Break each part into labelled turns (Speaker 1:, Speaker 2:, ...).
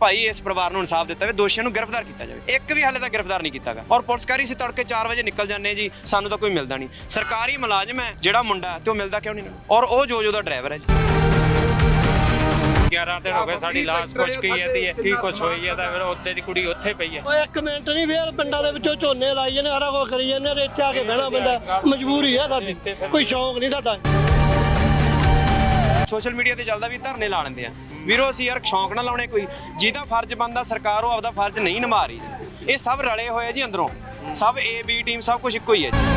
Speaker 1: ਭਾਈ ਇਸ ਪਰਿਵਾਰ ਨੂੰ ਇਨਸਾਫ ਦਿੱਤਾ ਜਾਵੇ, ਦੋਸ਼ੀਆਂ ਨੂੰ ਗ੍ਰਿਫਤਾਰ ਕੀਤਾ ਜਾਵੇ। ਇੱਕ ਵੀ ਹਾਲੇ ਤੱਕ ਗ੍ਰਿਫਤਾਰ ਨਹੀਂ ਕੀਤਾ ਗਿਆ। ਔਰ ਪੁਲਿਸਕਾਰੀ ਸੀ ਤੜਕੇ 4 ਵਜੇ ਨਿਕਲ ਜਾਂਦੇ ਜੀ, ਸਾਨੂੰ ਤਾਂ ਕੋਈ ਮਿਲਦਾ ਨਹੀਂ। ਸਰਕਾਰੀ ਮੁਲਾਜ਼ਮ ਹੈ ਜਿਹੜਾ ਮੁੰਡਾ ਤੇ ਉਹ ਮਿਲਦਾ ਕਿਉਂ ਨਹੀਂ? ਔਰ ਉਹ ਜੋ ਦਾ ਡਰਾਈਵਰ ਹੈ ਜੀ।
Speaker 2: 11 ਦਿਨ ਹੋ ਗਏ ਸਾਡੀ ਲਾਸ਼ ਪੁੱਛ ਕੇ ਜਾਂਦੀ ਹੈ ਕੀ ਕੁਛ ਹੋਈ ਹੈ ਤਾਂ ਫਿਰ ਉੱਤੇ ਦੀ ਕੁੜੀ ਉੱਥੇ ਪਈ ਹੈ।
Speaker 3: ਓਏ ਇੱਕ ਮਿੰਟ ਨਹੀਂ, ਫੇਰ ਪਿੰਡਾਂ ਦੇ ਵਿੱਚੋਂ ਝੋਨੇ ਲਾਈ ਜਾਂਦੇ, ਸਾਰਾ ਕੁਝ ਕਰੀ ਜਾਂਦੇ, ਇੱਥੇ ਆ ਕੇ ਬਹਿਣਾ ਪੈਂਦਾ। ਮਜਬੂਰੀ ਹੈ ਸਾਡੀ, ਕੋਈ ਸ਼ੌਂਕ ਨਹੀਂ ਸਾਡਾ।
Speaker 1: ਸੋਸ਼ਲ ਮੀਡੀਆ ਤੇ ਚੱਲਦਾ ਵੀ ਧਰਨੇ ਲਾ ਲੈਂਦੇ ਆ ਵੀਰੋ। ਅਸੀਂ ਯਾਰ ਸ਼ੌਂਕ ਨਾ ਲਾਉਣੇ, ਕੋਈ ਜਿਹਦਾ ਫਰਜ਼ ਬਣਦਾ ਸਰਕਾਰ ਉਹ ਆਪਦਾ ਫਰਜ਼ ਨਹੀਂ ਨਿਭਾ ਰਹੀ। ਇਹ ਸਭ ਰਲੇ ਹੋਏ ਜੀ ਅੰਦਰੋਂ, ਸਭ ਏ ਬੀ ਟੀਮ ਸਭ ਕੁਝ ਇੱਕੋ ਹੀ ਹੈ ਜੀ।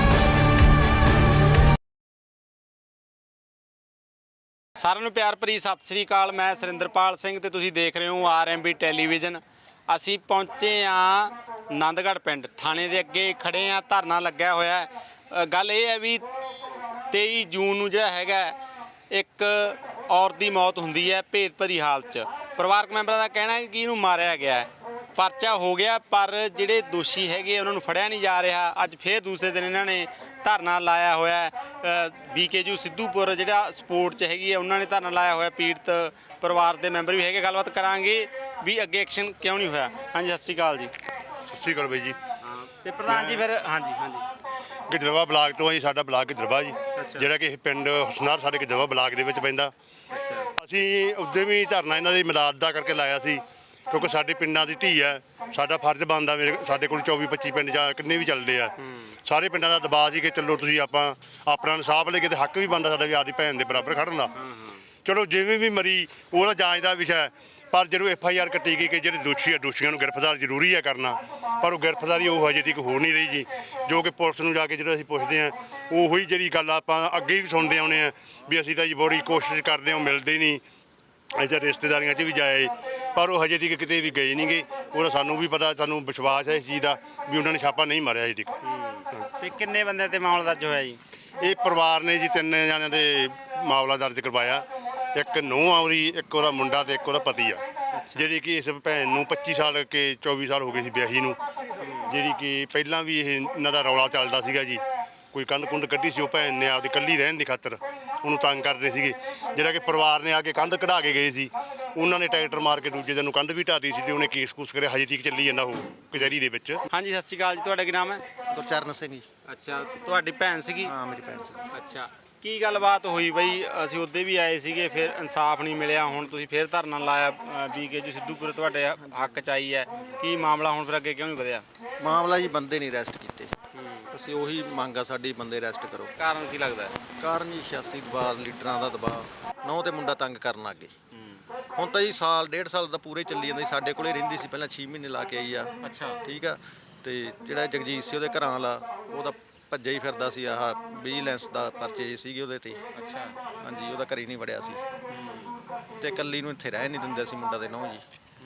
Speaker 4: ਸਾਰਿਆਂ ਨੂੰ ਪਿਆਰ ਭਰੀ ਸਤਿ ਸ੍ਰੀ ਅਕਾਲ। ਮੈਂ ਸੁਰਿੰਦਰਪਾਲ ਸਿੰਘ ਤੇ ਤੁਸੀਂ ਦੇਖ ਰਹੇ ਹੋ ਆਰਐਮਬੀ ਟੈਲੀਵਿਜ਼ਨ। ਅਸੀਂ ਪਹੁੰਚੇ ਆ ਆਨੰਦਗੜ੍ਹ ਪਿੰਡ, ਥਾਣੇ ਦੇ ਅੱਗੇ ਖੜੇ ਆ, ਧਰਨਾ ਲੱਗਿਆ ਹੋਇਆ ਹੈ। ਗੱਲ ਇਹ ਹੈ ਵੀ 23 ਜੂਨ ਨੂੰ ਜਿਹੜਾ ਹੈਗਾ ਇੱਕ ਔਰਤ ਦੀ ਮੌਤ ਹੁੰਦੀ ਹੈ ਭੇਦ ਭਰੀ ਹਾਲਤ 'ਚ। ਪਰਿਵਾਰਕ ਮੈਂਬਰਾਂ ਦਾ ਕਹਿਣਾ ਹੈ ਕਿ ਇਹਨੂੰ ਮਾਰਿਆ ਗਿਆ ਹੈ, ਪਰਚਾ ਹੋ ਗਿਆ, ਪਰ ਜਿਹੜੇ ਦੋਸ਼ੀ ਹੈਗੇ ਉਹਨਾਂ ਨੂੰ ਫੜਿਆ ਨਹੀਂ ਜਾ ਰਿਹਾ। ਅੱਜ ਫੇਰ ਦੂਸਰੇ ਦਿਨ ਇਹਨਾਂ ਨੇ ਧਰਨਾ ਲਾਇਆ ਹੋਇਆ। BKU ਸਿੱਧੂਪੁਰ ਜਿਹੜਾ ਸਪੋਰਟ 'ਚ ਹੈਗੀ ਹੈ ਉਹਨਾਂ ਨੇ ਧਰਨਾ ਲਾਇਆ ਹੋਇਆ। ਪੀੜਤ ਪਰਿਵਾਰ ਦੇ ਮੈਂਬਰ ਵੀ ਹੈਗੇ, ਗੱਲਬਾਤ ਕਰਾਂਗੇ ਵੀ ਅੱਗੇ ਐਕਸ਼ਨ ਕਿਉਂ ਨਹੀਂ ਹੋਇਆ। ਹਾਂਜੀ, ਸਤਿ ਸ਼੍ਰੀ ਅਕਾਲ ਜੀ।
Speaker 5: ਸਤਿ ਸ਼੍ਰੀ ਅਕਾਲ ਬਾਈ ਜੀ।
Speaker 4: ਤੇ ਪ੍ਰਧਾਨ ਜੀ ਫਿਰ ਹਾਂਜੀ
Speaker 5: ਗਿੱਦੜਵਾ ਬਲਾਕ ਤੋਂ ਜੀ, ਸਾਡਾ ਬਲਾਕ ਗਿੱਦੜਵਾ ਜੀ, ਜਿਹੜਾ ਕਿ ਇਹ ਪਿੰਡ ਹੁਸਨਾਰ ਸਾਡੇ ਗਿੱਦੜਵਾ ਬਲਾਕ ਦੇ ਵਿੱਚ ਪੈਂਦਾ। ਅਸੀਂ ਉਦੋਂ ਵੀ ਧਰਨਾ ਇਹਨਾਂ ਦੀ ਮਦਦ ਦਾ ਕਰਕੇ ਲਾਇਆ ਸੀ, ਕਿਉਂਕਿ ਸਾਡੇ ਪਿੰਡਾਂ ਦੀ ਧੀ ਹੈ, ਸਾਡਾ ਫਰਜ਼ ਬਣਦਾ। ਸਾਡੇ ਕੋਲ 24-25 ਪਿੰਡ ਜਾਂ ਕਿੰਨੇ ਵੀ ਚੱਲਦੇ ਆ, ਸਾਰੇ ਪਿੰਡਾਂ ਦਾ ਦਬਾਅ ਸੀ ਕਿ ਚਲੋ ਤੁਸੀਂ ਆਪਾਂ ਆਪਣਾ ਇਨਸਾਫ ਲੈ ਕੇ, ਤੇ ਹੱਕ ਵੀ ਬਣਦਾ ਸਾਡਾ ਵੀ ਆਪਦੀ ਭੈਣ ਦੇ ਬਰਾਬਰ ਖੜਨ ਦਾ। ਚਲੋ ਜਿਵੇਂ ਵੀ ਮਰੀ ਉਹਦਾ ਜਾਂਚ ਦਾ ਵਿਸ਼ਾ ਹੈ, ਪਰ ਜਦੋਂ FIR ਕੱਟੀ ਗਈ ਕਿ ਜਿਹੜੇ ਦੋਸ਼ੀ ਆ, ਦੋਸ਼ੀਆਂ ਨੂੰ ਗ੍ਰਿਫਤਾਰ ਜ਼ਰੂਰੀ ਹੈ ਕਰਨਾ, ਪਰ ਉਹ ਗ੍ਰਿਫਤਾਰੀ ਉਹ ਹਜੇ ਤੱਕ ਹੋ ਨਹੀਂ ਰਹੀ ਜੀ। ਜੋ ਕਿ ਪੁਲਿਸ ਨੂੰ ਜਾ ਕੇ ਜਦੋਂ ਅਸੀਂ ਪੁੱਛਦੇ ਹਾਂ, ਉਹੀ ਜਿਹੜੀ ਗੱਲ ਆਪਾਂ ਅੱਗੇ ਵੀ ਸੁਣਦੇ ਆਉਂਦੇ ਹਾਂ ਵੀ ਅਸੀਂ ਤਾਂ ਜੀ ਬੜੀ ਕੋਸ਼ਿਸ਼ ਕਰਦੇ ਹਾਂ, ਮਿਲਦੇ ਨਹੀਂ। ਅਸੀਂ ਰਿਸ਼ਤੇਦਾਰੀਆਂ 'ਚ ਵੀ ਜਾਏ, ਪਰ ਉਹ ਹਜੇ ਤੱਕ ਕਿਤੇ ਵੀ ਗਏ ਨਹੀਂ ਗੇ। ਉਹਦਾ ਸਾਨੂੰ ਵੀ ਪਤਾ, ਸਾਨੂੰ ਵਿਸ਼ਵਾਸ ਹੈ ਇਸ ਚੀਜ਼ ਦਾ ਵੀ ਉਹਨਾਂ ਨੇ ਛਾਪਾ ਨਹੀਂ ਮਾਰਿਆ ਹਜੇ ਤੱਕ।
Speaker 4: ਤੇ ਕਿੰਨੇ ਬੰਦੇ ਤੇ ਮਾਮਲਾ ਦਰਜ ਹੋਇਆ ਜੀ?
Speaker 5: ਇਹ ਪਰਿਵਾਰ ਨੇ ਜੀ 3 ਜਣਿਆਂ ਦੇ ਮਾਮਲਾ ਦਰਜ ਕਰਵਾਇਆ। ਇੱਕ ਨੂੰਹ ਆ ਉਹਦੀ, ਇੱਕ ਉਹਦਾ ਮੁੰਡਾ ਤੇ ਇੱਕ ਉਹਦਾ ਪਤੀ ਆ, ਜਿਹੜੀ ਕਿ ਇਸ ਭੈਣ ਨੂੰ 25 ਸਾਲ ਕੇ 24 ਸਾਲ ਹੋ ਗਏ ਸੀ ਵਿਆਹੀ ਨੂੰ, ਜਿਹੜੀ ਕਿ ਪਹਿਲਾਂ ਵੀ ਇਹ ਇਹਨਾਂ ਦਾ ਰੌਲਾ ਚੱਲਦਾ ਸੀਗਾ ਜੀ। ਕੋਈ ਕੰਧ ਕੁੰਧ ਕੱਢੀ ਸੀ, ਉਹ ਭੈਣ ਨੇ ਆਪਦੀ ਇਕੱਲੀ ਰਹਿਣ ਦੀ ਖਾਤਰ ਉਹਨੂੰ ਤੰਗ ਕਰਦੇ ਸੀਗੇ, ਜਿਹੜਾ ਕਿ ਪਰਿਵਾਰ ਨੇ ਆ ਕੇ ਕੰਧ ਕਢਾ ਕੇ ਗਏ ਸੀ। ਉਹਨਾਂ ਨੇ ਟਰੈਕਟਰ ਮਾਰ ਕੇ ਦੂਜੇ ਦਿਨ ਨੂੰ ਕੰਧ ਵੀ ਢਾਤੀ ਸੀ ਤੇ ਉਹਨੇ ਕੇਸ ਕੂਸ ਕਰਿਆ, ਹਜੇ ਤੱਕ ਚੱਲੀ ਜਾਂਦਾ ਉਹ ਕਚਹਿਰੀ ਦੇ ਵਿੱਚ।
Speaker 4: ਹਾਂਜੀ, ਸਤਿ ਸ਼੍ਰੀ ਅਕਾਲ ਜੀ। ਤੁਹਾਡਾ ਕੀ ਨਾਮ ਹੈ?
Speaker 6: ਗੁਰਚਰਨ ਸਿੰਘ ਜੀ।
Speaker 4: ਅੱਛਾ, ਤੁਹਾਡੀ ਭੈਣ ਸੀਗੀ?
Speaker 6: ਹਾਂ, ਮੇਰੀ ਭੈਣ ਸੀ।
Speaker 4: ਅੱਛਾ, ਕੀ ਗੱਲਬਾਤ ਹੋਈ ਬਈ? ਅਸੀਂ ਉੱਦੇ ਵੀ ਆਏ ਸੀਗੇ, ਫਿਰ ਇਨਸਾਫ ਨਹੀਂ ਮਿਲਿਆ, ਹੁਣ ਤੁਸੀਂ ਫਿਰ ਧਰਨਾ ਲਾਇਆ BKU ਸਿੱਧੂਪੁਰ, ਤੁਹਾਡੇ ਹੱਕ 'ਚ ਆਈ ਹੈ। ਕੀ ਮਾਮਲਾ ਹੁਣ ਫਿਰ ਅੱਗੇ ਕਿਉਂ ਨਹੀਂ ਵਧਿਆ?
Speaker 6: ਮਾਮਲਾ ਜੀ ਬੰਦੇ ਨਹੀਂ ਅਰੈਸਟ ਕੀਤੇ। ਅਸੀਂ ਉਹੀ ਮੰਗ ਆ ਸਾਡੀ, ਬੰਦੇ ਅਰੈਸਟ ਕਰੋ।
Speaker 4: ਕਾਰਨ ਕੀ ਲੱਗਦਾ?
Speaker 6: ਕਾਰਨ ਜੀ ਸਿਆਸੀ ਦਬਾਅ, ਲੀਡਰਾਂ ਦਾ ਦਬਾਅ, ਨੌ ਤੇ ਮੁੰਡਾ ਤੰਗ ਕਰਨ ਲੱਗ ਗਏ। ਹੁਣ ਤਾਂ ਜੀ ਸਾਲ 1.5 ਸਾਲ ਦਾ ਪੂਰੇ ਚੱਲੀ ਜਾਂਦਾ। ਸਾਡੇ ਕੋਲੇ ਰਹਿੰਦੀ ਸੀ ਪਹਿਲਾਂ, 6 ਮਹੀਨੇ ਲਾ ਕੇ ਆਈ ਆ।
Speaker 4: ਅੱਛਾ,
Speaker 6: ਠੀਕ ਆ। ਤੇ ਜਿਹੜਾ ਜਗਜੀਤ ਸੀ ਉਹਦੇ ਘਰਾਂ ਵਾਲਾ, ਉਹਦਾ ਭੱਜਿਆ ਹੀ ਫਿਰਦਾ ਸੀ। ਆਹ ਵਿਜੀਲੈਂਸ ਦਾ ਪਰਚੇ ਸੀਗੇ ਉਹਦੇ ਤੇ।
Speaker 4: ਅੱਛਾ,
Speaker 6: ਹਾਂਜੀ, ਉਹਦਾ ਘਰੇ ਨਹੀਂ ਵੜਿਆ ਸੀ ਤੇ ਇਕੱਲੀ ਨੂੰ ਇੱਥੇ ਰਹਿ ਨਹੀਂ ਦਿੰਦੇ ਸੀ ਮੁੰਡਾ ਦੇ ਨੌ ਜੀ।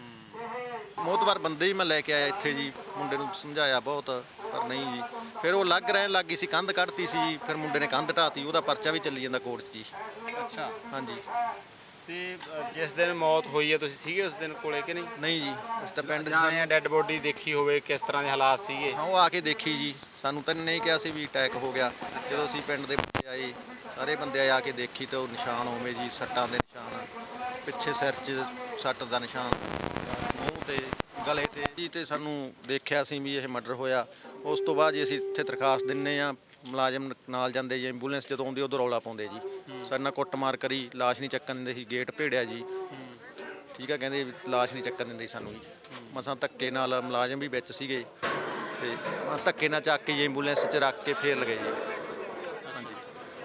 Speaker 6: ਮੋਤਬਰ ਬੰਦੇ ਹੀ ਮੈਂ ਲੈ ਕੇ ਆਇਆ ਇੱਥੇ ਜੀ, ਮੁੰਡੇ ਨੂੰ ਸਮਝਾਇਆ ਬਹੁਤ, ਪਰ ਨਹੀਂ ਜੀ। ਫਿਰ ਉਹ ਲੱਗ ਰਹਿਣ ਲੱਗ ਗਈ ਸੀ, ਕੰਧ ਕੱਢਤੀ ਸੀ, ਫਿਰ ਮੁੰਡੇ ਨੇ ਕੰਧ ਢਾਤੀ, ਉਹਦਾ ਪਰਚਾ ਵੀ ਚੱਲੀ ਜਾਂਦਾ ਕੋਰਟ 'ਚ ਜੀ।
Speaker 4: ਅੱਛਾ,
Speaker 6: ਹਾਂਜੀ।
Speaker 4: ਤੇ ਜਿਸ ਦਿਨ ਮੌਤ ਹੋਈ ਹੈ ਤੁਸੀਂ ਸੀਗੇ ਉਸ ਦਿਨ ਕੋਲੇ ਕਿ ਨਹੀਂ?
Speaker 6: ਨਹੀਂ ਜੀ, ਇਸ ਤਾਂ ਪਿੰਡ 'ਚ
Speaker 4: ਜਾਂ ਡੈੱਡ ਬੋਡੀ ਦੇਖੀ ਹੋਵੇ, ਕਿਸ ਤਰ੍ਹਾਂ ਦੇ ਹਾਲਾਤ ਸੀਗੇ?
Speaker 6: ਹਾਂ, ਉਹ ਆ ਕੇ ਦੇਖੀ ਜੀ। ਸਾਨੂੰ ਤਾਂ ਨਹੀਂ ਕਿਹਾ ਸੀ ਵੀ ਅਟੈਕ ਹੋ ਗਿਆ। ਜਦੋਂ ਅਸੀਂ ਪਿੰਡ ਦੇ ਬੰਦੇ ਆਏ, ਸਾਰੇ ਬੰਦੇ ਆ ਕੇ ਦੇਖੀ ਤਾਂ ਉਹ ਨਿਸ਼ਾਨ ਹੋਵੇ ਜੀ, ਸੱਟਾਂ ਦੇ ਨਿਸ਼ਾਨ, ਪਿੱਛੇ ਸਿਰ 'ਚ ਸੱਟ ਦਾ ਨਿਸ਼ਾਨ, ਮੂੰਹ ਤੇ ਗਲੇ ਤੇ ਜੀ। ਤੇ ਸਾਨੂੰ ਦੇਖਿਆ ਸੀ ਵੀ ਇਹ ਮਰਡਰ ਹੋਇਆ। ਉਸ ਤੋਂ ਬਾਅਦ ਜੀ ਅਸੀਂ ਇੱਥੇ ਦਰਖਾਸਤ ਦਿੰਦੇ ਹਾਂ, ਮੁਲਾਜ਼ਮ ਨਾਲ ਜਾਂਦੇ ਜੀ, ਐਂਬੂਲੈਂਸ ਜਦੋਂ ਆਉਂਦੀ ਉਦੋਂ ਰੌਲਾ ਪਾਉਂਦੇ ਜੀ। ਸਾਡੇ ਨਾਲ ਕੁੱਟਮਾਰ ਕਰੀ, ਲਾਸ਼ ਨਹੀਂ ਚੱਕਣ ਦਿੰਦੇ ਸੀ, ਗੇਟ ਭੇੜਿਆ ਜੀ। ਠੀਕ ਆ, ਕਹਿੰਦੇ ਲਾਸ਼ ਨਹੀਂ ਚੱਕਣ ਦਿੰਦੇ ਸਾਨੂੰ ਜੀ। ਮਸਾਂ ਧੱਕੇ ਨਾਲ, ਮੁਲਾਜ਼ਮ ਵੀ ਵਿੱਚ ਸੀਗੇ, ਤੇ ਧੱਕੇ ਨਾਲ ਚੱਕ ਕੇ ਜੀ ਐਂਬੂਲੈਂਸ 'ਚ ਰੱਖ ਕੇ ਫੇਰ ਲਗਾਏ ਜੀ। ਹਾਂਜੀ,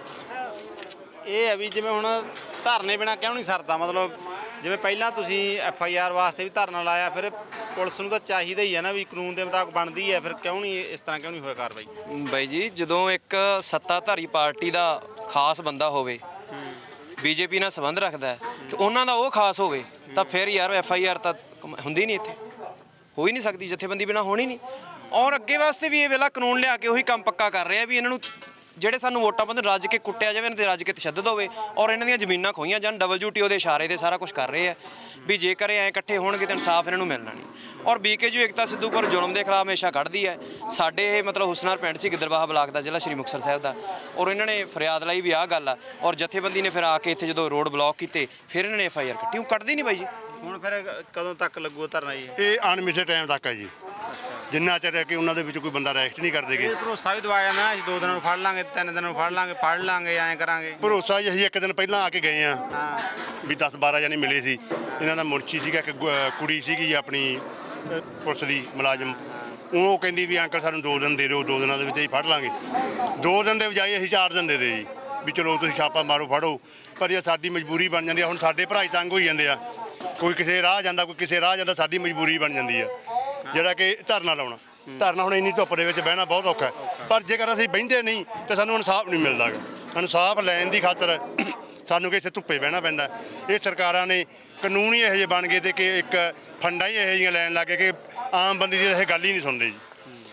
Speaker 4: ਇਹ ਹੈ ਵੀ ਜਿਵੇਂ ਹੁਣ ਧਰਨੇ ਬਿਨਾਂ ਕਿਉਂ ਨਹੀਂ ਸਰਦਾ? ਮਤਲਬ ਜਿਵੇਂ ਪਹਿਲਾਂ ਤੁਸੀਂ FIR ਵਾਸਤੇ ਵੀ ਧਰਨਾ ਲਾਇਆ, ਫਿਰ ਪੁਲਿਸ ਨੂੰ ਤਾਂ ਚਾਹੀਦਾ ਹੀ ਹੈ ਨਾ ਵੀ ਕਾਨੂੰਨ ਦੇ ਮੁਤਾਬਕ ਬਣਦੀ ਹੈ, ਫਿਰ ਕਿਉਂ ਨਹੀਂ ਇਸ ਤਰ੍ਹਾਂ ਕਿਉਂ ਨਹੀਂ ਹੋਇਆ ਕਾਰਵਾਈ?
Speaker 1: ਬਾਈ ਜੀ, ਜਦੋਂ ਇੱਕ ਸੱਤਾਧਾਰੀ ਪਾਰਟੀ ਦਾ ਖਾਸ ਬੰਦਾ ਹੋਵੇ, BJP ਨਾਲ ਸੰਬੰਧ ਰੱਖਦਾ ਤੇ ਉਹਨਾਂ ਦਾ ਉਹ ਖਾਸ ਹੋਵੇ, ਤਾਂ ਫਿਰ ਯਾਰ FIR ਤਾਂ ਹੁੰਦੀ ਨਹੀਂ, ਇੱਥੇ ਹੋ ਹੀ ਨਹੀਂ ਸਕਦੀ, ਜਥੇਬੰਦੀ ਬਿਨਾਂ ਹੋਣੀ ਨਹੀਂ। ਔਰ ਅੱਗੇ ਵਾਸਤੇ ਵੀ ਇਹ ਵੇਲਾ ਕਾਨੂੰਨ ਲਿਆ ਕੇ ਉਹੀ ਕੰਮ ਪੱਕਾ ਕਰ ਰਿਹਾ ਵੀ ਇਹਨਾਂ ਨੂੰ ਜਿਹੜੇ ਸਾਨੂੰ ਵੋਟਾਂ ਪਾਉਂਦੇ ਰੱਜ ਕੇ ਕੁੱਟਿਆ ਜਾਵੇ, ਇਹਨਾਂ 'ਤੇ ਰੱਜ ਕੇ ਤਸ਼ੱਦਦ ਹੋਵੇ, ਔਰ ਇਹਨਾਂ ਦੀਆਂ ਜ਼ਮੀਨਾਂ ਖੋਹੀਆਂ ਜਾਣ। WTO ਦੇ ਇਸ਼ਾਰੇ 'ਤੇ ਸਾਰਾ ਕੁਝ ਕਰ ਰਹੇ ਆ ਵੀ ਜੇਕਰ ਐਂ ਇਕੱਠੇ ਹੋਣਗੇ ਤਾਂ ਇਨਸਾਫ ਇਹਨਾਂ ਨੂੰ ਮਿਲਣਾ ਨਹੀਂ। ਔਰ BKU ਏਕਤਾ ਸਿੱਧੂਪੁਰ ਜ਼ੁਲਮ ਦੇ ਖਿਲਾਫ ਹਮੇਸ਼ਾ ਕੱਢਦੀ ਹੈ। ਸਾਡੇ ਇਹ ਮਤਲਬ ਹੁਸਨਾਰ ਪਿੰਡ ਸੀ, ਗਿੱਦੜਬਾਹਾ ਬਲਾਕ ਦਾ, ਜ਼ਿਲ੍ਹਾ ਸ਼੍ਰੀ ਮੁਕਤਸਰ ਸਾਹਿਬ ਦਾ, ਔਰ ਇਹਨਾਂ ਨੇ ਫਰਿਆਦ ਲਈ ਵੀ ਆਹ ਗੱਲ ਆ। ਔਰ ਜਥੇਬੰਦੀ ਨੇ ਫਿਰ ਆ ਕੇ ਇੱਥੇ ਜਦੋਂ ਰੋਡ ਬਲੌਕ ਕੀਤੇ, ਫਿਰ ਇਹਨਾਂ ਨੇ FIR ਕੱਟੀ। ਉਹ ਕੱਢਦੀ ਨਹੀਂ ਬਾਈ ਜੀ,
Speaker 4: ਹੁਣ ਫਿਰ ਕਦੋਂ ਤੱਕ ਲੱਗੂ ਧਰਨਾ ਜੀ?
Speaker 5: ਇਹ ਅਣਮਿੱਥੇ ਟਾਈਮ ਤੱਕ ਹੈ ਜੀ, ਜਿੰਨਾ ਚਿਰ ਕਿ ਉਹਨਾਂ ਦੇ ਵਿੱਚ ਕੋਈ ਬੰਦਾ ਰੈਸਟ ਨਹੀਂ ਕਰਦੇਗੇ।
Speaker 4: ਇਹ ਭਰੋਸਾ ਵੀ ਦਵਾਇਆ ਜਾਂਦਾ ਨਾ, ਅਸੀਂ 2 ਦਿਨਾਂ ਨੂੰ ਫੜ ਲਾਂਗੇ, 3 ਦਿਨਾਂ ਨੂੰ ਫੜ ਲਾਂਗੇ ਐਂ ਕਰਾਂਗੇ।
Speaker 5: ਭਰੋਸਾ ਜੀ ਅਸੀਂ ਇੱਕ ਦਿਨ ਪਹਿਲਾਂ ਆ ਕੇ ਗਏ ਆ
Speaker 4: ਹਾਂ
Speaker 5: ਵੀ 10-12 ਜਣੇ ਮਿਲੇ ਸੀ। ਇਹਨਾਂ ਦਾ ਮੁਰਸ਼ੀ ਸੀਗਾ, ਇੱਕ ਕੁੜੀ ਸੀਗੀ ਆਪਣੀ ਪੁਲਿਸ ਦੀ ਮੁਲਾਜ਼ਮ, ਉਹ ਕਹਿੰਦੀ ਵੀ ਅੰਕਲ ਸਾਨੂੰ 2 ਦਿਨ ਦੇ ਦਿਓ, 2 ਦਿਨਾਂ ਦੇ ਵਿੱਚ ਹੀ ਫੜ ਲਾਂਗੇ। 2 ਦਿਨ ਦੇ ਬਜਾਏ ਅਸੀਂ 4 ਦਿਨ ਦੇ ਦੇ ਜੀ ਵੀ ਚਲੋ ਤੁਸੀਂ ਛਾਪਾ ਮਾਰੋ ਫੜੋ। ਪਰ ਇਹ ਸਾਡੀ ਮਜਬੂਰੀ ਬਣ ਜਾਂਦੀ ਆ। ਹੁਣ ਸਾਡੇ ਭਰਾ ਹੀ ਤੰਗ ਹੋਈ ਜਾਂਦੇ ਆ, ਕੋਈ ਕਿਸੇ ਰਾਹ ਜਾਂਦਾ, ਕੋਈ ਕਿਸੇ ਰਾਹ ਜਾਂਦਾ, ਸਾਡੀ ਮਜਬੂਰੀ ਬਣ ਜਾਂਦੀ ਆ ਜਿਹੜਾ ਕਿ ਧਰਨਾ ਲਾਉਣਾ। ਧਰਨਾ ਹੁਣ ਇੰਨੀ ਧੁੱਪ ਦੇ ਵਿੱਚ ਬਹਿਣਾ ਬਹੁਤ ਔਖਾ ਹੈ, ਪਰ ਜੇਕਰ ਅਸੀਂ ਬਹਿੰਦੇ ਨਹੀਂ ਤਾਂ ਸਾਨੂੰ ਇਨਸਾਫ ਨਹੀਂ ਮਿਲਦਾ ਗਾ। ਇਨਸਾਫ ਲੈਣ ਦੀ ਖਾਤਰ ਸਾਨੂੰ ਕਿ ਇੱਥੇ ਧੁੱਪੇ ਬਹਿਣਾ ਪੈਂਦਾ। ਇਹ ਸਰਕਾਰਾਂ ਨੇ ਕਾਨੂੰਨ ਹੀ ਇਹੋ ਜਿਹੇ ਬਣ ਗਏ ਤੇ ਕਿ ਇੱਕ ਫੰਡਾਂ ਹੀ ਇਹੋ ਜਿਹੀਆਂ ਲੈਣ ਲੱਗ ਗਏ ਕਿ ਆਮ ਬੰਦੇ ਦੀ ਇਹ ਗੱਲ ਹੀ ਨਹੀਂ ਸੁਣਦੇ ਜੀ।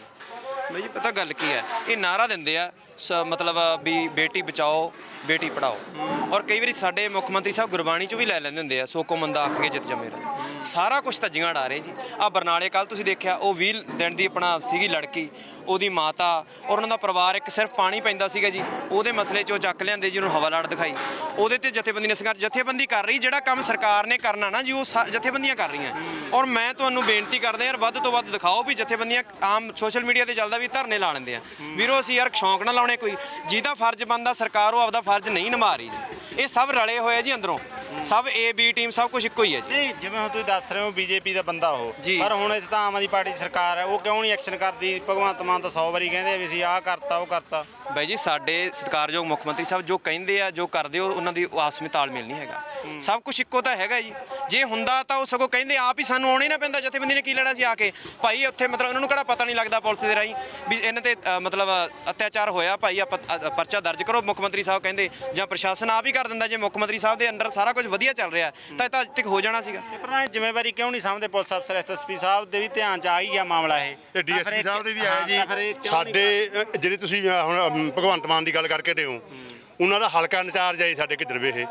Speaker 1: ਬਈ ਜੀ ਪਤਾ ਗੱਲ ਕੀ ਹੈ, ਇਹ ਨਾਰਾ ਦਿੰਦੇ ਆ ਮਤਲਬ ਵੀ ਬੇਟੀ ਬਚਾਓ ਬੇਟੀ ਪੜਾਓ, ਔਰ ਕਈ ਵਾਰੀ ਸਾਡੇ ਮੁੱਖ ਮੰਤਰੀ ਸਾਹਿਬ ਗੁਰਬਾਣੀ 'ਚ ਵੀ ਲੈ ਲੈਂਦੇ ਹੁੰਦੇ ਆ, ਸੋ ਕੋ ਮੰਦਾ ਆਖ ਕੇ ਜਿੱਤ ਜਮੇ ਰਹੇ। ਸਾਰਾ ਕੁਝ ਧੱਜੀਆਂ ਉਡਾ ਰਹੇ ਜੀ। ਆ ਬਰਨਾਲੇ ਕੱਲ ਤੁਸੀਂ ਦੇਖਿਆ, ਉਹ 20 ਦਿਨ ਦੀ ਆਪਣਾ ਸੀਗੀ ਲੜਕੀ, ਉਹਦੀ ਮਾਤਾ ਔਰ ਉਹਨਾਂ ਦਾ ਪਰਿਵਾਰ, ਇੱਕ ਸਿਰਫ ਪਾਣੀ ਪੈਂਦਾ ਸੀਗਾ ਜੀ, ਉਹਦੇ ਮਸਲੇ 'ਚ ਉਹ ਚੱਕ ਲਿਆਂਦੇ ਜੀ, ਉਹਨੂੰ ਹਵਾ ਲਾਟ ਦਿਖਾਈ। ਉਹਦੇ ਤੇ ਜਥੇਬੰਦੀ ਨੇ ਜਥੇਬੰਦੀ ਕਰ ਰਹੀ, ਜਿਹੜਾ ਕੰਮ ਸਰਕਾਰ ਨੇ ਕਰਨਾ ਨਾ ਜੀ ਉਹ ਜਥੇਬੰਦੀਆਂ ਕਰ ਰਹੀਆਂ। ਔਰ ਮੈਂ ਤੁਹਾਨੂੰ ਬੇਨਤੀ ਕਰਦਾ ਯਾਰ, ਵੱਧ ਤੋਂ ਵੱਧ ਦਿਖਾਓ ਵੀ ਜਥੇਬੰਦੀਆਂ ਆਮ ਸੋਸ਼ਲ ਮੀਡੀਆ ਤੇ ਚੱਲਦਾ ਵੀ ਧਰਨੇ ਲਾ ਲੈਂਦੇ ਆ ਵੀਰੋ। ਅਸੀਂ ਯਾਰ ਸ਼ੌਂਕ ਨਾ ਲਾਉਣੇ, ਕੋਈ ਜਿਹਦਾ ਫਰਜ਼ ਬਣਦਾ ਸਰਕਾਰ ਉਹ ਆਪਦਾ ਫਰਜ਼ ਨਹੀਂ ਨਿਭਾ ਰਹੀ ਜੀ। ਇਹ ਸਭ ਰਲੇ ਹੋਏ ਜੀ ਅੰਦਰੋਂ, ਸਭ ਏ ਬੀ ਟੀਮ ਸਭ ਕੁਝ ਇੱਕੋ ਹੀ ਹੈ ਜੀ।
Speaker 4: ਨਹੀਂ, ਜਿਵੇਂ ਹੁਣ ਤੁਸੀਂ ਦੱਸ ਰਹੇ ਹੋ ਬੀਜੇਪੀ ਦਾ ਬੰਦਾ ਉਹ,
Speaker 1: ਜੀ।
Speaker 4: ਪਰ ਹੁਣ ਇਸ ਤਾਂ ਆਮ ਆਦਮੀ ਪਾਰਟੀ ਦੀ ਸਰਕਾਰ ਹੈ, ਉਹ ਕਿਉਂ ਨਹੀਂ ਐਕਸ਼ਨ ਕਰਦੀ? ਭਗਵੰਤ ਮਾਨ ਤਾਂ 100 ਵਾਰੀ ਕਹਿੰਦੇ ਆ ਵੀ ਅਸੀਂ ਆਹ ਕਰਤਾ ਉਹ ਕਰਤਾ।
Speaker 1: ਬਾਈ ਜੀ ਸਾਡੇ ਸਤਿਕਾਰਯੋਗ ਮੁੱਖ ਮੰਤਰੀ ਸਾਹਿਬ ਜੋ ਕਹਿੰਦੇ ਆ ਜੋ ਕਰਦੇ ਹੋ, ਉਹਨਾਂ ਦੀ ਆਪਸ ਵਿੱਚ ਤਾਲਮੇਲ ਨਹੀਂ ਹੈਗਾ। ਸਭ ਕੁਝ ਇੱਕੋ ਤਾਂ ਹੈਗਾ ਜੀ। ਜੇ ਹੁੰਦਾ ਤਾਂ ਉਹ ਸਗੋਂ ਕਹਿੰਦੇ ਆਪ ਹੀ, ਸਾਨੂੰ ਆਉਣਾ ਹੀ ਨਾ ਪੈਂਦਾ। ਜਥੇਬੰਦੀ ਨੇ ਕੀ ਲੈਣਾ ਸੀ ਆ ਕੇ? ਭਾਈ ਉੱਥੇ ਮਤਲਬ ਉਹਨਾਂ ਨੂੰ ਕਿਹੜਾ ਪਤਾ ਨਹੀਂ ਲੱਗਦਾ ਪੁਲਿਸ ਦੇ ਰਾਹੀਂ ਵੀ ਇਹਨਾਂ ਤੇ ਮਤਲਬ ਅਤਿਆਚਾਰ ਹੋਇਆ, ਭਾਈ ਆਪਾਂ ਪਰਚਾ ਦਰਜ ਕਰੋ। ਮੁੱਖ ਮੰਤਰੀ ਸਾਹਿਬ ਕਹਿੰਦੇ ਜਾਂ ਪ੍ਰਸ਼ਾਸਨ ਆਪ ਹੀ ਕਰ ਦਿੰਦਾ। ਜੇ ਮੁੱਖ ਮੰਤਰੀ ਸਾਹਿਬ ਦੇ ਅੰਡਰ ਸਾਰਾ ਕੁਝ ਵਧੀਆ ਚੱਲ ਰਿਹਾ ਤਾਂ ਇਹ ਤਾਂ ਅੱਜ ਤੱਕ ਹੋ ਜਾਣਾ ਸੀਗਾ।
Speaker 4: ਪ੍ਰਧਾਨ ਜ਼ਿੰਮੇਵਾਰੀ ਕਿਉਂ ਨਹੀਂ ਸਮਝਦੇ ਪੁਲਿਸ ਅਫਸਰ? ਐਸਐਸਪੀ ਸਾਹਿਬ ਦੇ ਵੀ ਧਿਆਨ 'ਚ ਆ ਹੀ ਗਿਆ ਮਾਮਲਾ ਇਹ,
Speaker 5: ਤੇ ਡੀਐਸਪੀ ਸਾਹਿਬ ਦੇ ਵੀ ਆਇਆ
Speaker 4: ਤਾਂ ਫਿਰ ਇਹ
Speaker 5: ਜੀ।
Speaker 4: ਕਿਉਂ
Speaker 5: ਸਾਡੇ ਜਿਹੜੇ ਤੁਸੀਂ ਹੁਣ ਭਗਵੰਤ ਮਾਨ ਦੀ ਗੱਲ ਕਰਕੇ ਹਟੇ ਹੋ, ਉਹਨਾਂ ਦਾ ਹਲਕਾ ਇੰਚਾਰਜ ਹੈ ਸਾਡੇ ਕਿਧਰਵੇ ਇਹ,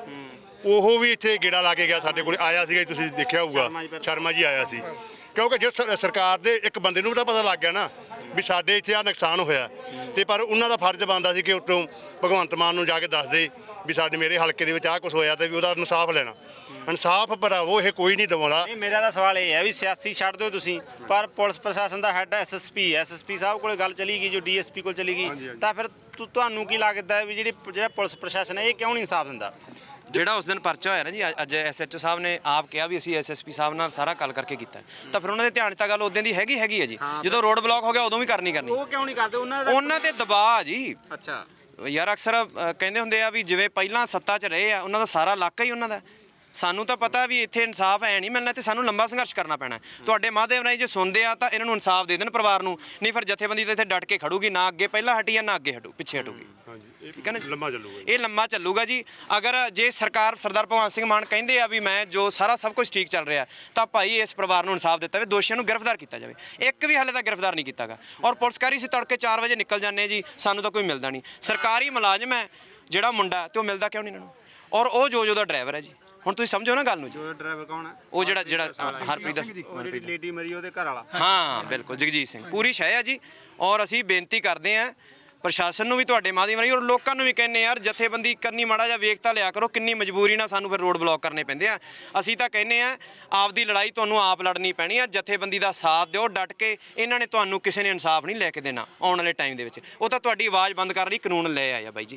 Speaker 5: ਉਹ ਵੀ ਇੱਥੇ ਗੇੜਾ ਲਾ ਕੇ ਗਿਆ, ਸਾਡੇ ਕੋਲ ਆਇਆ ਸੀਗਾ, ਤੁਸੀਂ ਦੇਖਿਆ ਹੋਊਗਾ, ਸ਼ਰਮਾ ਜੀ ਆਇਆ ਸੀ। ਕਿਉਂਕਿ ਜੇ ਸਰਕਾਰ ਦੇ ਇੱਕ ਬੰਦੇ ਨੂੰ ਵੀ ਤਾਂ ਪਤਾ ਲੱਗ ਗਿਆ ਨਾ ਵੀ ਸਾਡੇ ਇੱਥੇ ਆ ਨੁਕਸਾਨ ਹੋਇਆ, ਤੇ ਪਰ ਉਹਨਾਂ ਦਾ ਫਰਜ਼ ਬਣਦਾ ਸੀ ਕਿ ਉੱਤੋਂ ਭਗਵੰਤ ਮਾਨ ਨੂੰ ਜਾ ਕੇ ਦੱਸ ਦੇ ਵੀ ਸਾਡੇ ਮੇਰੇ ਹਲਕੇ ਦੇ ਵਿੱਚ ਆਹ ਕੁਝ ਹੋਇਆ ਤੇ ਵੀ ਉਹਦਾ ਇਨਸਾਫ ਲੈਣਾ। ਇਨਸਾਫ ਭਰਾਵੋ ਇਹ ਕੋਈ ਨਹੀਂ ਦਿਵਾਉਂਦਾ।
Speaker 4: ਨਹੀਂ, ਮੇਰਾ ਤਾਂ ਸਵਾਲ ਇਹ ਹੈ ਵੀ ਸਿਆਸੀ ਛੱਡ ਦਿਓ ਤੁਸੀਂ, ਪਰ ਪੁਲਿਸ ਪ੍ਰਸ਼ਾਸਨ ਦਾ ਹੈੱਡ ਐਸਐਸਪੀ ਸਾਹਿਬ ਕੋਲੇ ਗੱਲ ਚਲੀ ਗਈ, ਜੋ ਡੀਐਸਪੀ ਕੋਲ ਚਲੀ ਗਈ, ਤਾਂ ਫਿਰ ਤੁਹਾਨੂੰ ਕੀ ਲੱਗਦਾ ਹੈ ਵੀ ਜਿਹੜਾ ਪੁਲਿਸ ਪ੍ਰਸ਼ਾਸਨ ਹੈ ਇਹ ਕਿਉਂ ਨਹੀਂ ਇਨਸਾਫ ਦਿੰਦਾ?
Speaker 1: ਜਿਹੜਾ ਉਸ ਦਿਨ ਪਰਚਾ ਹੋਇਆ ਨਾ ਜੀ, ਅੱਜ ਐਸਐਚਓ ਸਾਹਿਬ ਨੇ ਆਪ ਕਿਹਾ ਵੀ ਅਸੀਂ ਐਸਐਸਪੀ ਸਾਹਿਬ ਨਾਲ ਸਾਰਾ ਗੱਲ ਕਰਕੇ ਕੀਤਾ, ਤਾਂ ਫਿਰ ਉਹਨਾਂ ਦੇ ਧਿਆਨ 'ਚ ਤਾਂ ਗੱਲ ਉਦੋਂ ਦੀ ਹੈਗੀ ਹੈ ਜੀ। ਜਦੋਂ ਰੋਡ ਬਲੌਕ ਹੋ ਗਿਆ ਉਦੋਂ ਵੀ ਕਰਨੀ
Speaker 4: ਉਹ ਕਿਉਂ ਨਹੀਂ ਕਰਦੇ?
Speaker 1: ਉਹਨਾਂ ਤੇ ਦਬਾਅ ਜੀ।
Speaker 4: ਅੱਛਾ
Speaker 1: ਯਾਰ ਅਕਸਰ ਕਹਿੰਦੇ ਹੁੰਦੇ ਆ ਵੀ ਜਿਵੇਂ ਪਹਿਲਾਂ ਸੱਤਾ 'ਚ ਰਹੇ ਆ, ਉਹਨਾਂ ਦਾ ਸਾਰਾ ਇਲਾਕਾ ਹੀ ਉਹਨਾਂ ਦਾ। ਸਾਨੂੰ ਤਾਂ ਪਤਾ ਵੀ ਇੱਥੇ ਇਨਸਾਫ ਹੈ ਨਹੀਂ ਮਿਲਣਾ ਤੇ ਸਾਨੂੰ ਲੰਬਾ ਸੰਘਰਸ਼ ਕਰਨਾ ਪੈਣਾ। ਤੁਹਾਡੇ ਮਾਧਿਅਮ ਰਾਹੀਂ ਜੇ ਸੁਣਦੇ ਆ ਤਾਂ ਇਹਨਾਂ ਨੂੰ ਇਨਸਾਫ ਦੇ ਦੇਣ ਪਰਿਵਾਰ ਨੂੰ, ਨਹੀਂ ਫਿਰ ਜਥੇਬੰਦੀ ਤਾਂ ਇੱਥੇ ਡਟ ਕੇ ਖੜੂਗੀ, ਨਾ ਅੱਗੇ ਪਹਿਲਾਂ ਹਟੀ ਆ ਨਾ ਅੱਗੇ ਪਿੱਛੇ ਹਟੂਗੀ। ਠੀਕ ਹੈ ਨਾ,
Speaker 5: ਲੰਮਾ ਚੱਲੂਗਾ
Speaker 1: ਇਹ ਲੰਮਾ ਚੱਲੂਗਾ ਜੀ। ਅਗਰ ਜੇ ਸਰਕਾਰ ਸਰਦਾਰ ਭਗਵੰਤ ਸਿੰਘ ਮਾਨ ਕਹਿੰਦੇ ਆ ਵੀ ਮੈਂ ਜੋ ਸਾਰਾ ਸਭ ਕੁਝ ਠੀਕ ਚੱਲ ਰਿਹਾ, ਤਾਂ ਭਾਈ ਇਸ ਪਰਿਵਾਰ ਨੂੰ ਇਨਸਾਫ ਦਿੱਤਾ ਜਾਵੇ, ਦੋਸ਼ੀਆਂ ਨੂੰ ਗ੍ਰਿਫਤਾਰ ਕੀਤਾ ਜਾਵੇ। ਇੱਕ ਵੀ ਹਾਲੇ ਤੱਕ ਗ੍ਰਿਫਤਾਰ ਨਹੀਂ ਕੀਤਾਗਾ। ਔਰ ਪੁਲਿਸਕਾਰੀ ਸੀ ਤੜਕੇ 4 ਵਜੇ ਨਿਕਲ ਜਾਂਦੇ ਜੀ, ਸਾਨੂੰ ਤਾਂ ਕੋਈ ਮਿਲਦਾ ਨਹੀਂ। ਸਰਕਾਰੀ ਮੁਲਾਜ਼ਮ ਹੈ ਜਿਹੜਾ ਮੁੰਡਾ, ਤੇ ਉਹ ਮਿਲਦਾ ਕਿਉਂ ਨਹੀਂ ਇਹਨਾਂ ਨੂੰ? ਔਰ ਉਹ ਜੋ ਦਾ ਡਰਾਈਵਰ ਹੈ ਜੀ। ਹੁਣ ਤੁਸੀਂ ਸਮਝੋ ਨਾ ਗੱਲ ਨੂੰ ਜੀ।
Speaker 4: ਡਰਾਈਵਰ ਕੌਣ ਹੈ?
Speaker 1: ਉਹ ਜਿਹੜਾ ਹਰਪ੍ਰੀਤ ਦਾ
Speaker 4: ਜਿਹੜੀ ਲੇਡੀ ਮਰੀ ਉਹਦੇ ਘਰ ਵਾਲਾ।
Speaker 1: ਹਾਂ ਬਿਲਕੁਲ, ਜਗਜੀਤ ਸਿੰਘ ਪੂਰੀ ਸ਼ੈ ਹੈ ਜੀ। ਔਰ ਅਸੀਂ ਬੇਨਤੀ ਕਰਦੇ ਹਾਂ ਪ੍ਰਸ਼ਾਸਨ ਨੂੰ ਵੀ, ਤੁਹਾਡੇ ਮਾਧਿਅਮ ਰਾਹੀਂ, ਔਰ ਲੋਕਾਂ ਨੂੰ ਵੀ ਕਹਿੰਦੇ ਯਾਰ ਜਥੇਬੰਦੀ ਕਰਨੀ ਮਾੜਾ ਜਿਹਾ ਵੇਖ ਤਾਂ ਲਿਆ ਕਰੋ। ਕਿੰਨੀ ਮਜਬੂਰੀ ਨਾਲ ਸਾਨੂੰ ਫਿਰ ਰੋਡ ਬਲੌਕ ਕਰਨੇ ਪੈਂਦੇ ਆ। ਅਸੀਂ ਤਾਂ ਕਹਿੰਦੇ ਆ ਆਪਦੀ ਲੜਾਈ ਤੁਹਾਨੂੰ ਆਪ ਲੜਨੀ ਪੈਣੀ ਆ। ਜਥੇਬੰਦੀ ਦਾ ਸਾਥ ਦਿਓ ਡਟ ਕੇ। ਇਹਨਾਂ ਨੇ ਤੁਹਾਨੂੰ ਕਿਸੇ ਨੇ ਇਨਸਾਫ ਨਹੀਂ ਲੈ ਕੇ ਦੇਣਾ ਆਉਣ ਵਾਲੇ ਟਾਈਮ ਦੇ ਵਿੱਚ। ਉਹ ਤਾਂ ਤੁਹਾਡੀ ਆਵਾਜ਼ ਬੰਦ ਕਰਨ ਲਈ ਕਾਨੂੰਨ ਲੈ ਆਇਆ ਬਾਈ ਜੀ।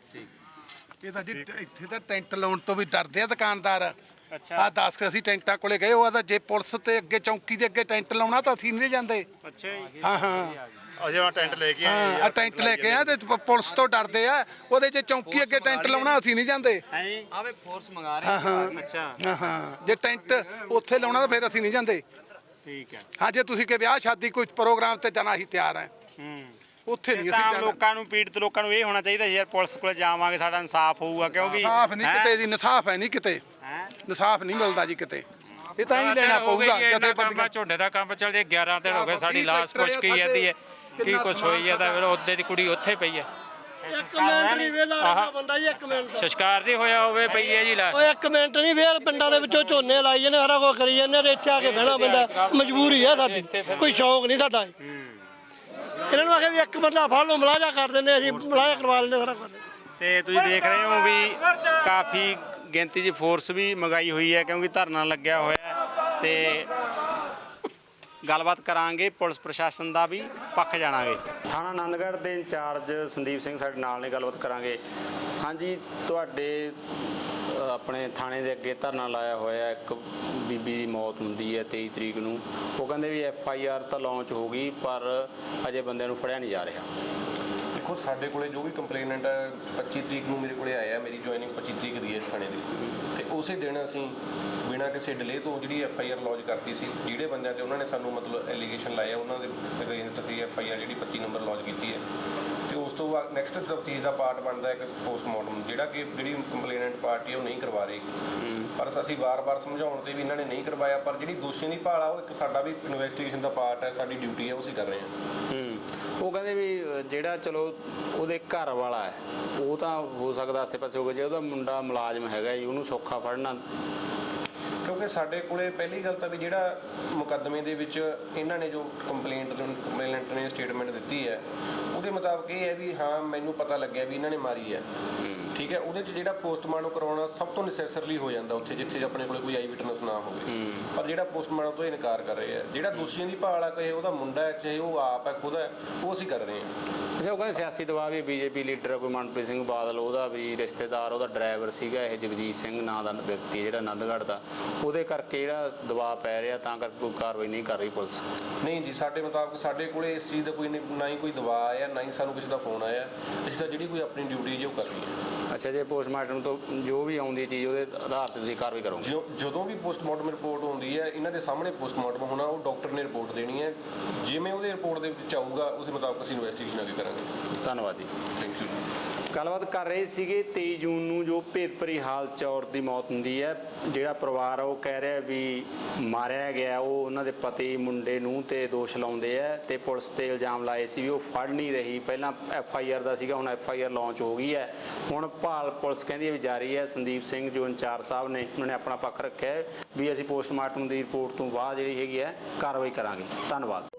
Speaker 7: ਇਹ ਤਾਂ ਜੀ ਇੱਥੇ ਤਾਂ ਟੈਂਟ ਲਾਉਣ ਤੋਂ ਵੀ ਡਰਦੇ ਆ ਦੁਕਾਨਦਾਰ।
Speaker 4: ਅੱਛਾ
Speaker 7: ਆ 10 ਕੇ ਅਸੀਂ ਟੈਂਟਾਂ ਕੋਲੇ ਗਏ, ਉਹ ਆਦਾ ਜੇ ਪੁਲਿਸ ਤੇ ਅੱਗੇ ਚੌਂਕੀ ਦੇ ਅੱਗੇ ਟੈਂਟ ਲਾਉਣਾ ਤਾਂ ਅਸੀਂ ਨਹੀਂ ਜਾਂਦੇ।
Speaker 4: ਅੱਛਾ ਜੀ।
Speaker 7: ਹਾਂ ਹਾਂ
Speaker 5: ਅਸੀਂ ਆ ਟੈਂਟ ਲੈ ਕੇ ਆਏ
Speaker 7: ਹਾਂ, ਟੈਂਟ ਲੈ ਕੇ ਆ ਤੇ ਪੁਲਿਸ ਤੋਂ ਡਰਦੇ ਆ। ਉਹਦੇ ਜੇ ਚੌਂਕੀ ਅੱਗੇ ਟੈਂਟ ਲਾਉਣਾ ਅਸੀਂ ਨਹੀਂ ਜਾਂਦੇ।
Speaker 4: ਹੈ ਜੀ।
Speaker 1: ਆਵੇ ਫੋਰਸ ਮੰਗਾ ਰਹੇ।
Speaker 7: ਹਾਂ ਹਾਂ
Speaker 4: ਅੱਛਾ
Speaker 7: ਹਾਂ ਹਾਂ, ਜੇ ਟੈਂਟ ਉੱਥੇ ਲਾਉਣਾ ਤਾਂ ਫਿਰ ਅਸੀਂ ਨਹੀਂ ਜਾਂਦੇ।
Speaker 4: ਠੀਕ ਹੈ।
Speaker 7: ਹਾਂ, ਜੇ ਤੁਸੀਂ ਕਿ ਵਿਆਹ ਸ਼ਾਦੀ ਕੋਈ ਪ੍ਰੋਗਰਾਮ ਤੇ ਜਾਣਾ ਅਸੀਂ ਤਿਆਰ ਆ। ਉੱਥੇ ਨਹੀਂ ਅਸੀਂ
Speaker 4: ਤਾਂ
Speaker 7: ਜਾਣਾ।
Speaker 4: ਲੋਕਾਂ ਨੂੰ, ਪੀੜਤ ਲੋਕਾਂ ਨੂੰ ਇਹ ਹੋਣਾ ਚਾਹੀਦਾ ਯਾਰ ਪੁਲਿਸ ਕੋਲੇ ਜਾਵਾਂਗੇ ਸਾਡਾ ਇਨਸਾਫ ਹੋਊਗਾ, ਕਿਉਂਕਿ
Speaker 7: ਇਨਸਾਫ ਨਹੀਂ ਕਿਤੇ ਜੀ, ਇਨਸਾਫ ਹੈ ਨਹੀਂ ਕਿਤੇ, ਇਨਸਾਫ ਨਹੀਂ ਮਿਲਦਾ ਜੀ ਕਿਤੇ। ਇਹ ਤਾਂ ਹੀ ਲੈਣਾ ਪਊਗਾ ਜਥੇਬੰਦੀਆਂ।
Speaker 2: ਝੋਨੇ ਦਾ ਕੰਮ ਚੱਲ ਜੇ 11 ਦਿਨ ਹੋ ਗਏ, ਸਾਡੀ ਲਾਸ਼ ਪੁੱਛ ਕੇ ਜਾਂਦੀ ਹੈ ਕੀ ਕੁਛ ਹੋਈ ਹੈ, ਤਾਂ ਫਿਰ ਉਹਦੇ ਦੀ ਕੁੜੀ ਉੱਥੇ ਪਈ ਹੈ।
Speaker 3: ਇੱਕ ਮਿੰਟ ਨਹੀਂ ਵੇਲਾ ਬੰਦਾ ਜੀ, ਇੱਕ ਮਿੰਟ।
Speaker 2: ਸੰਸਕਾਰ ਨਹੀਂ ਹੋਇਆ ਹੋਵੇ ਪਈ ਹੈ ਜੀ ਲਾਸ਼।
Speaker 3: ਓਏ ਇੱਕ ਮਿੰਟ ਨਹੀਂ, ਵੇਲ ਪਿੰਡਾਂ ਦੇ ਵਿੱਚੋਂ ਝੋਨੇ ਲਾਈ ਜਾਂਦੇ, ਸਾਰਾ ਕੁਝ ਕਰੀ ਜਾਂਦੇ, ਤੇ ਇੱਥੇ ਆ ਕੇ ਬਹਿਣਾ ਪੈਂਦਾ। ਮਜਬੂਰੀ ਹੈ ਸਾਡੀ, ਕੋਈ ਸ਼ੌਂਕ ਨਹੀਂ ਸਾਡਾ। ਇਹਨਾਂ ਨੂੰ ਆਖਿਆ ਵੀ ਇੱਕ ਬੰਦਾ ਫੜ ਲਓ, ਮਲਾਜਾ ਕਰ ਦਿੰਦੇ, ਅਸੀਂ ਮਲਾਜਾ ਕਰਵਾ ਲੈਂਦੇ ਸਾਰਾ ਕੁਝ।
Speaker 4: ਤੇ ਤੁਸੀਂ ਦੇਖ ਰਹੇ ਹੋ ਵੀ ਕਾਫੀ ਗਿਣਤੀ 'ਚ ਫੋਰਸ ਵੀ ਮੰਗਾਈ ਹੋਈ ਹੈ ਕਿਉਂਕਿ ਧਰਨਾ ਲੱਗਿਆ ਹੋਇਆ ਹੈ ਤੇ ਗੱਲਬਾਤ ਕਰਾਂਗੇ, ਪੁਲਿਸ ਪ੍ਰਸ਼ਾਸਨ ਦਾ ਵੀ ਪੱਖ ਜਾਣਾਂਗੇ। ਥਾਣਾ ਆਨੰਦਗੜ੍ਹ ਦੇ ਇੰਚਾਰਜ ਸੰਦੀਪ ਸਿੰਘ ਸਾਡੇ ਨਾਲ ਨੇ, ਗੱਲਬਾਤ ਕਰਾਂਗੇ। ਹਾਂਜੀ, ਤੁਹਾਡੇ ਆਪਣੇ ਥਾਣੇ ਦੇ ਅੱਗੇ ਧਰਨਾ ਲਾਇਆ ਹੋਇਆ, ਇੱਕ ਬੀਬੀ ਦੀ ਮੌਤ ਹੁੰਦੀ ਹੈ 23 ਤਰੀਕ ਨੂੰ। ਉਹ ਕਹਿੰਦੇ ਵੀ FIR ਤਾਂ ਲਾਂਚ ਹੋ ਗਈ ਪਰ ਅਜੇ ਬੰਦਿਆਂ ਨੂੰ ਫੜਿਆ ਨਹੀਂ ਜਾ ਰਿਹਾ।
Speaker 8: ਦੇਖੋ, ਸਾਡੇ ਕੋਲੇ ਜੋ ਵੀ ਕੰਪਲੇਨੈਂਟ 25 ਤਰੀਕ ਨੂੰ ਮੇਰੇ ਕੋਲੇ ਆਇਆ, ਮੇਰੀ ਜੁਆਇਨਿੰਗ 25 ਤਰੀਕ ਦੀ ਹੈ ਥਾਣੇ ਦੀ, ਤੇ ਉਸੇ ਦਿਨ ਅਸੀਂ ਬਿਨਾਂ ਕਿਸੇ ਡਿਲੇ ਤੋਂ ਜਿਹੜੀ FIR ਲੌਂਚ ਕਰਤੀ ਸੀ। ਜਿਹੜੇ ਬੰਦਿਆਂ ਤੇ ਉਹਨਾਂ ਨੇ ਸਾਨੂੰ ਮਤਲਬ ਐਲੀਗੇਸ਼ਨ ਲਾਇਆ ਉਹਨਾਂ ਦੇ ਅਗੇਂਸਟ ਅਸੀਂ FIR ਜਿਹੜੀ 25 ਨੰਬਰ ਲੌਂਚ ਕੀਤੀ ਹੈ। ਤੇ ਉਸ ਤੋਂ ਬਾਅਦ ਨੈਕਸਟ ਤਫਤੀਸ਼ ਦਾ ਪਾਰਟ ਬਣਦਾ ਇੱਕ ਪੋਸਟਮਾਰਟਮ, ਜਿਹੜਾ ਕਿ ਜਿਹੜੀ ਕੰਪਲੇਨੈਂਟ ਪਾਰਟੀ ਉਹ ਨਹੀਂ ਕਰਵਾ ਰਹੀ। ਪਰ ਅਸੀਂ ਵਾਰ-ਵਾਰ ਸਮਝਾਉਣ ਤੇ ਵੀ ਇਹਨਾਂ ਨੇ ਨਹੀਂ ਕਰਵਾਇਆ, ਪਰ ਜਿਹੜੀ ਦੋਸ਼ੀਆਂ ਦੀ ਭਾਲ ਆ ਉਹ ਇੱਕ ਸਾਡਾ ਵੀ ਇਨਵੈਸਟੀਗੇਸ਼ਨ ਦਾ ਪਾਰਟ ਹੈ, ਸਾਡੀ ਡਿਊਟੀ ਹੈ, ਉਹ ਅਸੀਂ ਕਰ ਰਹੇ ਹਾਂ।
Speaker 4: ਉਹ ਕਹਿੰਦੇ ਵੀ ਜਿਹੜਾ ਚਲੋ ਉਹਦੇ ਘਰ ਵਾਲਾ ਹੈ ਉਹ ਤਾਂ ਹੋ ਸਕਦਾ ਆਸੇ ਪਾਸੇ ਹੋਵੇ, ਜੇ ਉਹਦਾ ਮੁੰਡਾ ਮੁਲਾਜ਼ਮ ਹੈਗਾ ਜੀ ਉਹਨੂੰ ਸੌਖਾ ਫੜਨਾ।
Speaker 8: ਕਿਉਂਕਿ ਸਾਡੇ ਕੋਲੇ ਪਹਿਲੀ ਗੱਲ ਤਾਂ ਵੀ ਜਿਹੜਾ ਮੁਕੱਦਮੇ ਦੇ ਵਿੱਚ ਇਹਨਾਂ ਨੇ ਜੋ ਕੰਪਲੇਨੈਂਟ ਨੇ ਸਟੇਟਮੈਂਟ ਦਿੱਤੀ ਹੈ ਉਹਦੇ ਮੁਤਾਬਕ ਇਹ ਹੈ ਵੀ ਹਾਂ ਮੈਨੂੰ ਪਤਾ ਲੱਗਿਆ ਵੀ ਇਹਨਾਂ ਨੇ ਮਾਰੀ ਹੈ, ਠੀਕ ਹੈ। ਉਹਦੇ 'ਚ ਜਿਹੜਾ ਪੋਸਟਮਾਰਟਮ ਕਰਵਾਉਣਾ ਸਭ ਤੋਂ ਨੈਸੈਸਰੀ ਹੋ ਜਾਂਦਾ ਉੱਥੇ ਜਿੱਥੇ ਆਪਣੇ ਕੋਲੇ ਕੋਈ ਆਈ ਵਿਟਨੈਸ ਨਾ ਹੋਵੇ, ਪਰ ਜਿਹੜਾ ਪੋਸਟਮਾਰਟਮ ਤੋਂ ਇਨਕਾਰ ਕਰ ਰਹੇ ਆ। ਜਿਹੜਾ ਦੋਸ਼ੀਆਂ ਦੀ ਭਾਲ ਆ, ਚਾਹੇ ਉਹਦਾ ਮੁੰਡਾ ਹੈ ਚਾਹੇ ਉਹ ਆਪ ਹੈ ਖੁਦ ਹੈ, ਉਹ ਅਸੀਂ ਕਰ ਰਹੇ ਹਾਂ।
Speaker 4: ਅੱਛਾ, ਉਹ ਕਹਿੰਦੇ ਸਿਆਸੀ ਦਬਾਅ ਵੀ BJP ਲੀਡਰ ਕੋਈ ਮਨਪ੍ਰੀਤ ਸਿੰਘ ਬਾਦਲ, ਉਹਦਾ ਵੀ ਰਿਸ਼ਤੇਦਾਰ, ਉਹਦਾ ਡਰਾਈਵਰ ਸੀਗਾ ਇਹ ਜਗਜੀਤ ਸਿੰਘ ਨਾਂ ਦਾ ਵਿਅਕਤੀ ਜਿਹੜਾ ਆਨੰਦਗੜ੍ਹ ਦਾ, ਉਹਦੇ ਕਰਕੇ ਜਿਹੜਾ ਦਬਾਅ ਪੈ ਰਿਹਾ ਤਾਂ ਕਰਕੇ ਕੋਈ ਕਾਰਵਾਈ ਨਹੀਂ ਕਰ ਰਹੀ ਪੁਲਿਸ।
Speaker 8: ਨਹੀਂ ਜੀ, ਸਾਡੇ ਮੁਤਾਬਕ ਸਾਡੇ ਕੋਲੇ ਇਸ ਚੀਜ਼ ਦਾ ਕੋਈ ਨਾ ਹੀ ਕੋਈ ਦਬਾਅ ਆਇਆ, ਨਾ ਹੀ ਸਾਨੂੰ ਕਿਸੇ ਦਾ ਫੋਨ ਆਇਆ। ਅਸੀਂ ਤਾਂ ਜਿਹੜੀ ਕੋਈ ਆਪਣੀ ਡਿਊਟੀ ਜੀ ਉਹ ਕਰ ਰਹੀ ਹੈ।
Speaker 4: ਅੱਛਾ, ਜੇ ਪੋਸਟਮਾਰਟਮ ਤੋਂ ਜੋ ਵੀ ਆਉਂਦੀ ਚੀਜ਼ ਉਹਦੇ ਆਧਾਰ ਤੇ ਤੁਸੀਂ ਕਾਰਵਾਈ ਕਰੋਗੇ?
Speaker 8: ਜਦੋਂ ਵੀ ਪੋਸਟਮਾਰਟਮ ਰਿਪੋਰਟ ਆਉਂਦੀ ਹੈ ਇਹਨਾਂ ਦੇ ਸਾਹਮਣੇ ਪੋਸਟਮਾਰਟਮ ਹੋਣਾ, ਉਹ ਡਾਕਟਰ ਨੇ ਰਿਪੋਰਟ ਦੇਣੀ ਹੈ। ਜਿਵੇਂ ਉਹਦੇ ਰਿਪੋਰਟ ਦੇ ਵਿੱਚ ਆਊਗਾ ਉਹਦੇ ਮੁਤਾਬਕ ਅਸੀਂ ਇਨਵੈਸਟੀਗੇਸ਼ਨ ਅੱਗੇ ਕਰਾਂਗੇ।
Speaker 4: ਧੰਨਵਾਦ ਜੀ।
Speaker 8: Thank you.
Speaker 4: ਗੱਲਬਾਤ ਕਰ ਰਹੇ ਸੀਗੇ 23 ਜੂਨ ਨੂੰ ਜੋ ਭੇਦਭਰੀ ਹਾਲਤ 'ਚ ਔਰਤ ਦੀ ਮੌਤ ਹੁੰਦੀ ਹੈ। ਜਿਹੜਾ ਪਰਿਵਾਰ ਆ ਉਹ ਕਹਿ ਰਿਹਾ ਵੀ ਮਾਰਿਆ ਗਿਆ, ਉਹ ਉਹਨਾਂ ਦੇ ਪਤੀ ਮੁੰਡੇ ਨੂੰ ਤੇ ਦੋਸ਼ ਲਾਉਂਦੇ ਆ ਤੇ ਪੁਲਿਸ ਤੇ ਇਲਜ਼ਾਮ ਲਾਏ ਸੀ ਵੀ ਉਹ ਫੜ ਨਹੀਂ ਰਹੀ। ਪਹਿਲਾਂ FIR ਦਾ ਸੀਗਾ, ਹੁਣ FIR ਲਾਂਚ ਹੋ ਗਈ ਹੈ। ਹੁਣ ਭਾਲ ਪੁਲਿਸ ਕਹਿੰਦੀ ਹੈ ਵੀ ਜਾਰੀ ਹੈ। ਸੰਦੀਪ ਸਿੰਘ ਜੋ ਇੰਚਾਰਜ ਸਾਹਿਬ ਨੇ ਉਹਨਾਂ ਨੇ ਆਪਣਾ ਪੱਖ ਰੱਖਿਆ ਵੀ ਅਸੀਂ ਪੋਸਟਮਾਰਟਮ ਦੀ ਰਿਪੋਰਟ ਤੋਂ ਬਾਅਦ ਜਿਹੜੀ ਹੈਗੀ ਹੈ ਕਾਰਵਾਈ ਕਰਾਂਗੇ। ਧੰਨਵਾਦ।